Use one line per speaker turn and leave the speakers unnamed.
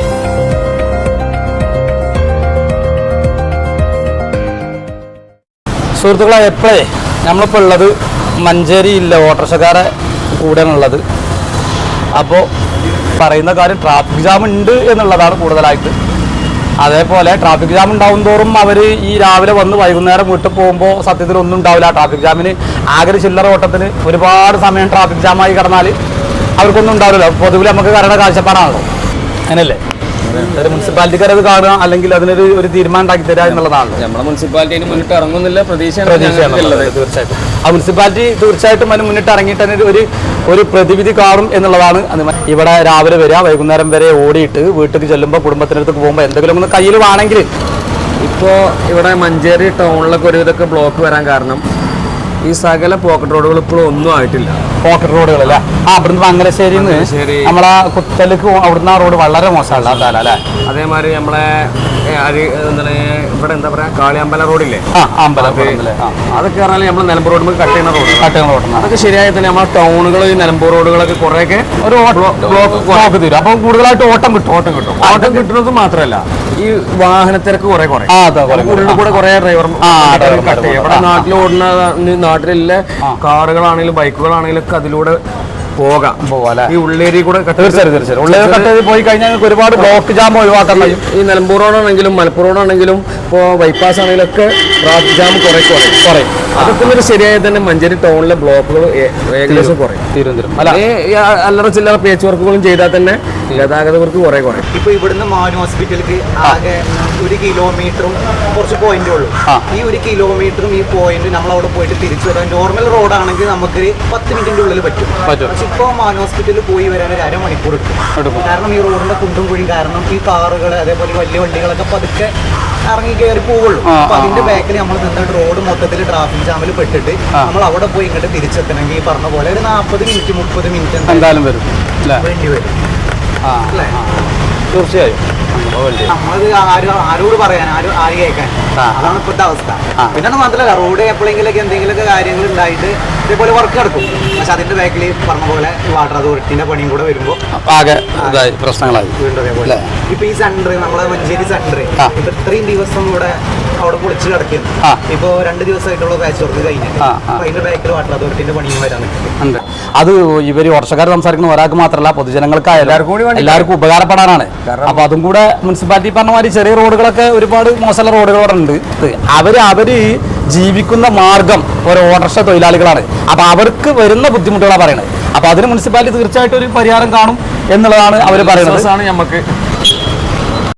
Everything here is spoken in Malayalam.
സുഹൃത്തുക്കളെ, എപ്പോഴേ നമ്മളിപ്പോൾ ഉള്ളത് മഞ്ചേരി ഇല്ല ഓട്ടോറിക്ഷക്കാരെ കൂടെയാണുള്ളത്. അപ്പോൾ പറയുന്ന കാര്യം ട്രാഫിക് ജാം ഉണ്ട് എന്നുള്ളതാണ് കൂടുതലായിട്ട്. അതേപോലെ ട്രാഫിക് ജാം ഉണ്ടാവും തോറും അവർ ഈ രാവിലെ വന്ന് വൈകുന്നേരം വീട്ടിൽ പോകുമ്പോൾ സത്യത്തിൽ ഒന്നും ഉണ്ടാവില്ല. ട്രാഫിക് ജാമിന് ആകെ ചില്ലറ ഓട്ടത്തിന് ഒരുപാട് സമയം ട്രാഫിക് ജാമായി കിടന്നാൽ അവർക്കൊന്നും ഉണ്ടാവില്ല. പൊതുവിൽ നമുക്ക് കരയുടെ കാഴ്ചപ്പാടാണല്ലോ, അങ്ങനെയല്ലേ? ഒരു മുനിസിപ്പാലിറ്റിക്കാർ അത് കാണുക, അല്ലെങ്കിൽ അതിനൊരു തീരുമാനം ഉണ്ടാക്കി തരിക എന്നുള്ളതാണല്ലോ.
നമ്മുടെ മുനിസിപ്പാലിറ്റി മുന്നിട്ട് ഇറങ്ങുന്നില്ല പ്രതീക്ഷയാണ്.
തീർച്ചയായിട്ടും ആ മുനിസിപ്പാലിറ്റി തീർച്ചയായിട്ടും അതിന് മുന്നിട്ട് ഇറങ്ങിയിട്ട് തന്നെ ഒരു പ്രതിവിധി കാണും എന്നുള്ളതാണ്. ഇവിടെ രാവിലെ വരിക, വൈകുന്നേരം വരെ ഓടിയിട്ട് വീട്ടിൽ ചെല്ലുമ്പോൾ കുടുംബത്തിനടുത്ത് പോകുമ്പോൾ എന്തെങ്കിലും ഒന്ന് കയ്യിൽ വേണമെങ്കിൽ.
ഇപ്പോൾ ഇവിടെ മഞ്ചേരി ടൗണിലൊക്കെ ഒരു ഇതൊക്കെ ബ്ലോക്ക് വരാൻ കാരണം ഈ സകല പോക്കറ്റ് റോഡുകൾ ഇപ്പോഴും ഒന്നും ആയിട്ടില്ല.
പോക്കറ്റ് റോഡുകളല്ല, അവിടുന്ന് മംഗലശ്ശേരി നമ്മളെ കുത്തലേക്ക് അവിടുന്ന് ആ റോഡ് വളരെ മോശമല്ല അല്ലേ?
അതേമാതിരി നമ്മളെ എന്താണ് ഇവിടെ എന്താ പറയാ കാളിയമ്പല റോഡില്ലേ, അതൊക്കെ പറഞ്ഞാൽ നമ്മൾ നിലമ്പൂർ റോഡ് കട്ട് ചെയ്യുന്ന റോഡ് അതൊക്കെ ശരിയായി തന്നെ നമ്മളെ ടൗണുകൾ ഈ നിലമ്പൂർ റോഡുകളൊക്കെ കുറെയൊക്കെ ഒരു ബ്ലോക്ക് തീരും. അപ്പം കൂടുതലായിട്ട് ഓട്ടം കിട്ടുന്നത് മാത്രമല്ല ഈ വാഹനത്തിരക്ക് കുറെ കൂടെ കുറെ ഡ്രൈവർ ഇവിടെ നാട്ടിൽ ഓടുന്ന നാട്ടിലുള്ള കാറുകളാണെങ്കിലും ബൈക്കുകളാണെങ്കിലും ഒക്കെ അതിലൂടെ പോകാം. ഈ ഉള്ളേരി കൂടെ
പോയി കഴിഞ്ഞാൽ ഒരുപാട് ബ്ലോക്ക് ജാം ഒഴിവാക്കാൻ കഴിയും.
ഈ നിലമ്പൂർ റോഡാണെങ്കിലും മലപ്പുറം റോഡാണെങ്കിലും ഇപ്പോൾ ബൈപ്പാസ് ആണെങ്കിലും ഒക്കെ ട്രാഫിക് ജാം കുറയും. അതൊക്കെ ഒരു ശരിയായി തന്നെ മഞ്ചേരി ടൗണിലെ ബ്ലോക്കുകൾ ഏകദേശം കുറയും. അല്ലറ ചില്ലറ പേച്ച് വർക്കുകളും ചെയ്താൽ തന്നെ ഗതാഗതവർക്ക് കുറയും.
ഇപ്പൊ ഇവിടുന്ന് മാനു ഹോസ്പിറ്റലിലേക്ക് ആകെ 1 കിലോമീറ്ററും കുറച്ച് പോയിന്റേ ഉള്ളൂ. ഈ 1 കിലോമീറ്ററും ഈ പോയിന്റ് നമ്മൾ അവിടെ പോയിട്ട് തിരിച്ചു വരാൻ നോർമൽ റോഡാണെങ്കിൽ നമുക്ക് 10 മിനിറ്റിന്റെ ഉള്ളിൽ പറ്റും. പക്ഷെ ഇപ്പൊ മാനു ഹോസ്പിറ്റലിൽ പോയി വരാൻ ഒരു അരമണിക്കൂർ എടുക്കും. കാരണം ഈ റോഡിന്റെ കുണ്ടും കുഴി കാരണം ഈ കാറുകൾ അതേപോലെ വലിയ വണ്ടികളൊക്കെ പതുക്കെ ഇറങ്ങി കയറി പോവുള്ളൂ. അപ്പൊ അതിന്റെ ബാക്കിൽ നമ്മൾ നിന്നിട്ട് റോഡ് മൊത്തത്തിൽ ട്രാഫിക് ജാമിൽ പെട്ടിട്ട് നമ്മൾ അവിടെ പോയി ഇങ്ങോട്ട് തിരിച്ചെത്തണമെങ്കിൽ ഈ പറഞ്ഞ പോലെ ഒരു 40 മിനിറ്റ് 30 മിനിറ്റ്
എന്തായാലും വേണ്ടി വരും. തീർച്ചയായും
നമ്മളത് ആരോട് പറയാൻ ആര് കേൾക്കാൻ, അതാണ് ഇപ്പോഴത്തെ അവസ്ഥ. പിന്നെ മാത്രമല്ല റോഡ് എപ്പോഴെങ്കിലൊക്കെ എന്തെങ്കിലുമൊക്കെ കാര്യങ്ങൾ ഉണ്ടായിട്ട് ഇതേപോലെ വർക്ക് നടക്കും. പക്ഷെ അതിന്റെ ബാക്കിൽ പറഞ്ഞ പോലെ വാട്ടർ അതോറിറ്റിന്റെ പണിയും കൂടെ വരുമ്പോൾ
ആകെ പ്രശ്നങ്ങളായി വീണ്ടും അതേപോലെ.
ഇപ്പൊ ഈ സെന്റർ നമ്മളെ മഞ്ചേരി സെന്റർ ഇപ്പൊ ഇത്രയും ദിവസം ഇവിടെ അവിടെ പൊളിച്ച് കിടക്കുന്നു. ഇപ്പൊ 2 ദിവസമായിട്ടുള്ള പാച്ച് വർക്ക് കഴിഞ്ഞു. അതിന്റെ ബാക്കിൽ വാട്ടർ അതോറിറ്റിന്റെ പണിയും വരാൻ നിൽക്കുന്നുണ്ട്.
അത് ഇവര് വർഷക്കാർ സംസാരിക്കുന്ന ഒരാൾക്ക് മാത്രമല്ല പൊതുജനങ്ങൾക്ക് എല്ലാവർക്കും ഉപകാരപ്പെടാനാണ്. അപ്പൊ അതും കൂടെ മുനിസിപ്പാലിറ്റി പറഞ്ഞ മാതിരി ചെറിയ റോഡുകളൊക്കെ ഒരുപാട് മോശമുള്ള റോഡുകളുണ്ട്. അവര് ജീവിക്കുന്ന മാർഗം ഓരോ ഓട്ടോറിക്ഷ തൊഴിലാളികളാണ്. അപ്പൊ അവർക്ക് വരുന്ന ബുദ്ധിമുട്ടുകളാണ് പറയുന്നത്. അപ്പൊ അതിന് മുനിസിപ്പാലിറ്റി തീർച്ചയായിട്ടും ഒരു പരിഹാരം കാണും എന്നുള്ളതാണ് അവർ പറയുന്നത്.
നമുക്ക്